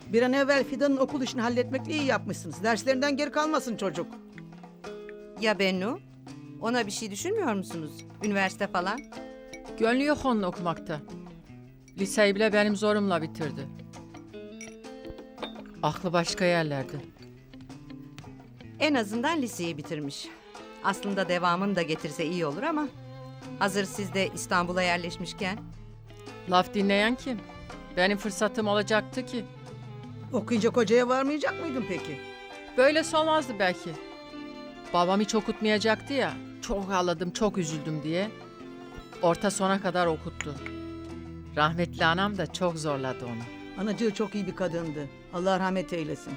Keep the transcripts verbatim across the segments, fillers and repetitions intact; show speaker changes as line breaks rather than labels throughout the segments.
Bir an evvel Fidan'ın okul işini halletmekle iyi yapmışsınız. Derslerinden geri kalmasın çocuk.
Ya Bennu? Ona bir şey düşünmüyor musunuz? Üniversite falan?
Gönlü yok onun okumakta. Liseyi bile benim zorumla bitirdi. Aklı başka yerlerde.
En azından liseyi bitirmiş. Aslında devamını da getirse iyi olur ama... Hazır siz de İstanbul'a yerleşmişken...
Laf dinleyen kim? Benim fırsatım olacaktı ki.
Okuyunca kocaya varmayacak mıydın peki?
Böylesi olmazdı belki. Babam hiç okutmayacaktı ya. Çok ağladım, çok üzüldüm diye. Orta sona kadar okuttu. Rahmetli anam da çok zorladı onu.
Anacığı çok iyi bir kadındı. Allah rahmet eylesin.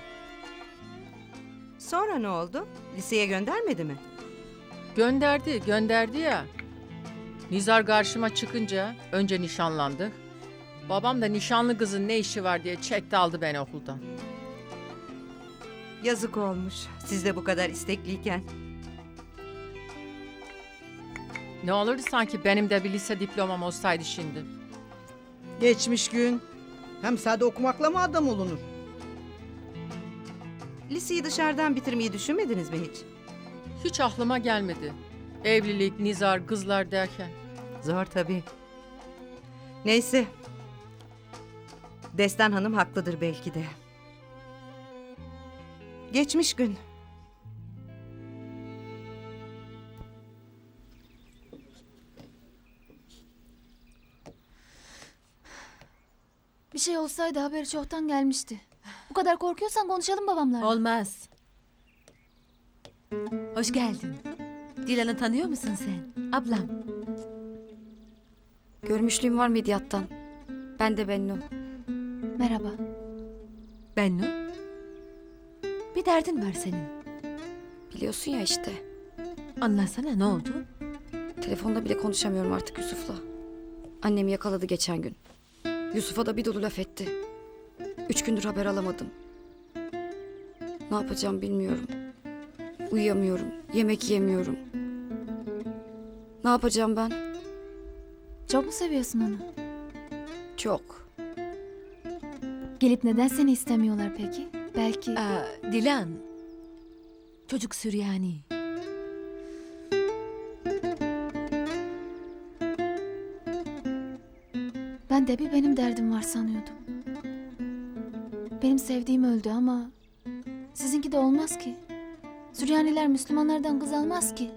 Sonra ne oldu? Liseye göndermedi mi?
Gönderdi, gönderdi ya. Nizar karşıma çıkınca önce nişanlandık. Babam da nişanlı kızın ne işi var diye çekti aldı beni okuldan.
Yazık olmuş. Siz de bu kadar istekliyken.
Ne olurdu sanki benim de bir lise diplomam olsaydı şimdi.
Geçmiş gün. Hem sade okumakla mı adam olunur?
Liseyi dışarıdan bitirmeyi düşünmediniz mi hiç?
Hiç aklıma gelmedi. Evlilik, nizar, kızlar derken.
Zor tabii. Neyse. Destan Hanım haklıdır belki de. Geçmiş gün.
Bir şey olsaydı haberi çoktan gelmişti. Bu kadar korkuyorsan konuşalım babamlarla.
Olmaz. Hoş geldin. Dilan'ı tanıyor musun sen? Ablam.
Görmüşlüğüm var Midyat'tan. Ben de Bennu.
Merhaba.
Bennu. Bir derdin var senin.
Biliyorsun ya işte.
Anlatsana, ne oldu?
Telefonda bile konuşamıyorum artık Yusuf'la. Annem yakaladı geçen gün. Yusuf'a da bir dolu laf etti. Üç gündür haber alamadım. Ne yapacağım bilmiyorum. Uyuyamıyorum. Yemek yemiyorum. Ne yapacağım ben?
Çok mu seviyorsun onu?
Çok.
Gelip neden seni istemiyorlar peki? Belki...
Aa, Dilan. Çocuk Süryani.
Ben de bir benim derdim var sanıyordum. Benim sevdiğim öldü ama... Sizinki de olmaz ki. Süryaniler Müslümanlardan kız almaz ki.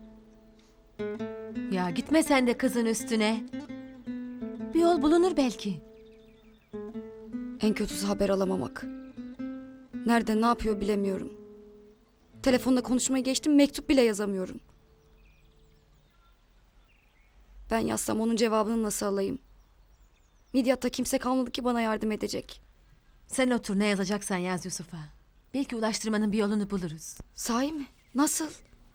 Ya gitme sen de kızın üstüne. Bir yol bulunur belki.
En kötüsü haber alamamak. Nerede ne yapıyor bilemiyorum. Telefonla konuşmayı geçtim, mektup bile yazamıyorum. Ben yazsam onun cevabını nasıl alayım? Midyat'ta kimse kalmadı ki bana yardım edecek.
Sen otur, ne yazacaksan yaz Yusuf'a. Belki ulaştırmanın bir yolunu buluruz.
Sahi mi? Nasıl?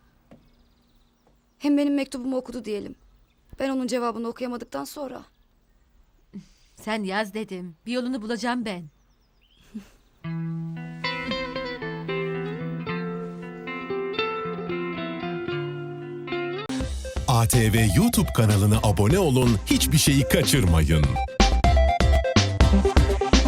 Hem benim mektubumu okudu diyelim. Ben onun cevabını okuyamadıktan sonra.
Sen yaz dedim. Bir yolunu bulacağım ben.
A T V YouTube kanalına abone olun, hiçbir şeyi kaçırmayın.